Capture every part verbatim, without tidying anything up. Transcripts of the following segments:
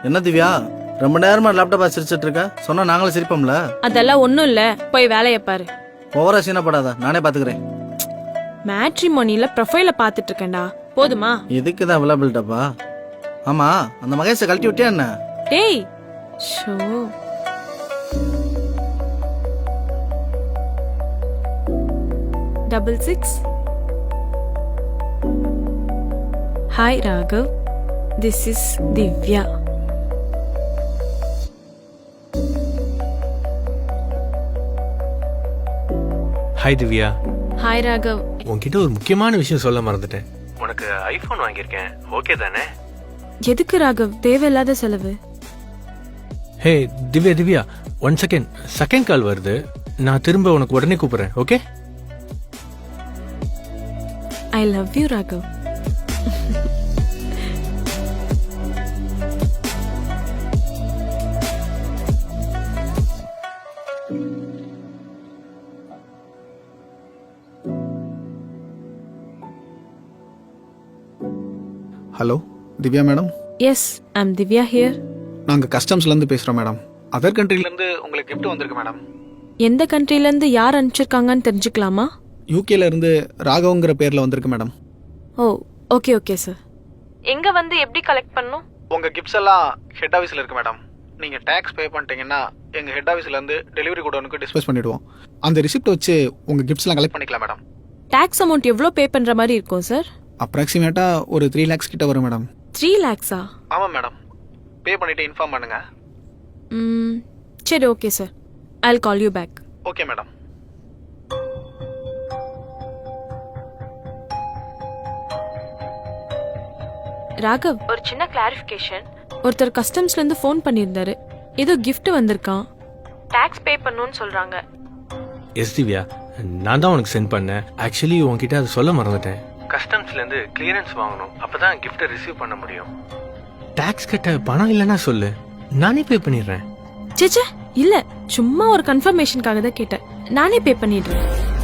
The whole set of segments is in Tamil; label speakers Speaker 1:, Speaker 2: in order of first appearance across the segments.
Speaker 1: என்ன திவ்யா, ரொம்ப நேரமா லேப்டாப் சிரிச்சிட்டு இருக்க? சொன்னா நாங்களும் சிரிப்போம்ல.
Speaker 2: அதெல்லாம் ஒண்ணும் இல்ல, போய் வேலைய பாரு.
Speaker 1: ஓவரா சீனப்படாத, நானே பாத்துக்கிறேன்.
Speaker 2: மேட்ரிமோனில ப்ரொஃபைல பாத்துட்டு இருக்கேன்டா, போதுமா?
Speaker 1: இதுக்கு தான் அவைலபிள்டாப்பா. ஆமா, அந்த மகேஷை கழட்டி விட்டியா என்ன?
Speaker 2: டேய் ஷோ, double six. Hi Raghav, this is Divya.
Speaker 3: Hi Divya.
Speaker 2: Hi Raghav.
Speaker 3: உன்கிட்ட ஒரு முக்கியமான விஷயம் சொல்ல மறந்துட்டேன். உனக்கு ஐபோன் வாங்கியிருக்கேன், ஓகே தானே?
Speaker 2: எதுக்கு ராகவ் தேவையில்லாத செலவு?
Speaker 3: Hey Divya Divya, one second, second call வருது. நான் திரும்ப உனக்கு உடனே கூப்பிடுறேன், okay?
Speaker 2: I love you Raghav.
Speaker 4: Hello Divya madam.
Speaker 2: Yes, I'm Divya here.
Speaker 4: நாங்கள் கஸ்டம்ஸ்லேருந்து பேசுகிறோம் மேடம். அதர் கண்ட்ரிலேருந்து உங்களுக்கு கிஃப்ட் வந்திருக்கு மேடம்.
Speaker 2: எந்த கண்ட்ரில இருந்து யார் அனுப்பிச்சிருக்காங்கன்னு தெரிஞ்சுக்கலாமா?
Speaker 4: யூகேல இருந்து ராகவங்கிற பேரில் வந்திருக்கு madam.
Speaker 2: Oh okay okay sir. எங்க வந்து எப்படி கலெக்ட் பண்ணும்?
Speaker 4: உங்கள் கிஃப்ட்ஸ் எல்லாம் ஹெட் ஆஃபீஸில் இருக்கு மேடம். நீங்கள் டேக்ஸ் பே பண்ணிட்டீங்கன்னா எங்கள் ஹெட் ஆஃபீஸ்லேருந்து டெலிவரி கோடனுக்கு டிஸ்பேஸ் பண்ணிவிடுவோம். அந்த ரிசிப்ட் வச்சு உங்கள் கிஃப்ட்ஸ்லாம் கலெக்ட் பண்ணிக்கலாம் மேடம்.
Speaker 2: டாக்ஸ் அமௌண்ட் எவ்வளோ பே பண்ற மாதிரி இருக்கும் சார்?
Speaker 4: அப்ராக்சிமேட்டாக ஒரு த்ரீ லேக்ஸ் கிட்ட வரும் மேடம்.
Speaker 2: த்ரீ லேக்ஸா?
Speaker 4: ஆமாம் மேடம். பே பண்ணிவிட்டு இன்ஃபார்ம் பண்ணுங்கள்.
Speaker 2: ம் சரி, okay sir, I'll call you back.
Speaker 4: Okay madam.
Speaker 2: Raghav, ஒரு சின்ன கிளாரிஃபிகேஷன். ஒருத்தர் கஸ்டம்ஸ்ல இருந்து ஃபோன் பண்ணியிருந்தாரு, ஏதோ gift வந்திருக்கான், டாக்ஸ் பே பண்ணணும்னு சொல்றாங்க.
Speaker 3: எஸ் திவ்யா, நான் தான் உனக்கு சென்ட் பண்ணேன். ஆக்சுவலி உன்கிட்ட அதை சொல்ல மறந்துட்டேன். கஸ்டம்ஸ்லேருந்து கிளியரன்ஸ் வாங்கணும், அப்பதான் கிஃப்டை ரிசீவ் பண்ண முடியும். டாக்ஸ் கட்ட பணம் இல்லைன்னா சொல்லு, நானே பே பண்ணிடுறேன்.
Speaker 2: சேச்சே இல்ல, சும்மா ஒரு கன்ஃபர்மேஷனுக்காக தான் கேட்டேன். நானே பே பண்ணிடுறேன்.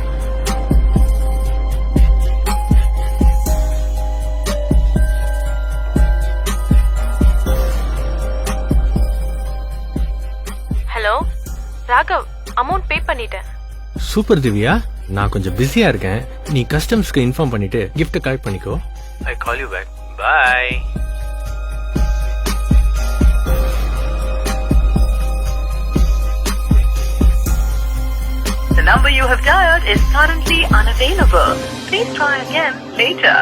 Speaker 2: ஹலோ ராகவ், அமௌண்ட் பே பண்ணிட்டேன்.
Speaker 3: சூப்பர் திவ்யா, நான் கொஞ்சம் பிஸியா இருக்கேன். நீ கஸ்டம்ஸ்க்கு இன்ஃபார்ம் பண்ணிட்டு கிஃப்ட் கலெக்ட் பண்ணிக்கோ. I call you back. Bye.
Speaker 5: The number you have dialed is currently unavailable. Please try again later.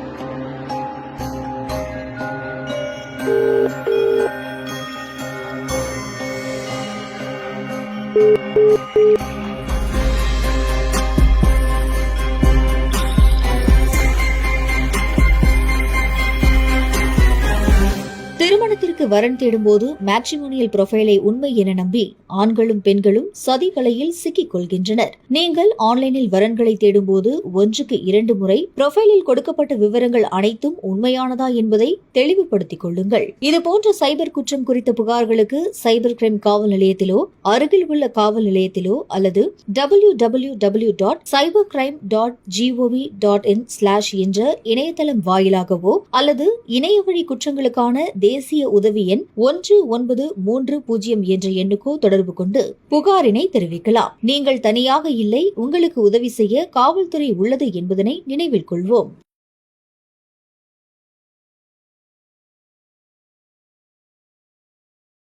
Speaker 6: திருமணத்திற்கு வரன் தேடும்போது மேட்ரிமோனியல் ப்ரொஃபைலை உண்மை என நம்பி ஆண்களும் பெண்களும் சதி வலையில் சிக்கிக் கொள்கின்றனர். நீங்கள் ஆன்லைனில் வரன்களை தேடும்போது ஒன்றுக்கு இரண்டு முறை ப்ரொஃபைலில் கொடுக்கப்பட்ட விவரங்கள் அனைத்தும் உண்மையானதா என்பதை தெளிவுபடுத்திக் கொள்ளுங்கள். இதுபோன்ற சைபர் குற்றம் குறித்த புகார்களுக்கு சைபர் கிரைம் காவல் நிலையத்திலோ அருகில் உள்ள காவல் நிலையத்திலோ அல்லது W W W dot cyber crime dot GOV dot in slash என்ற இணையதளம் வாயிலாகவோ அல்லது இணைய வழி குற்றங்களுக்கான தேசிய உதவி எண் ஒன்று ஒன்பது மூன்று பூஜ்ஜியம் என்ற எண்ணுக்கோ தொடர்பு கொண்டு புகாரினை தெரிவிக்கலாம். நீங்கள் தனியாக இல்லை, உங்களுக்கு உதவி செய்ய காவல்துறை உள்ளது என்பதனை நினைவில் கொள்வோம்.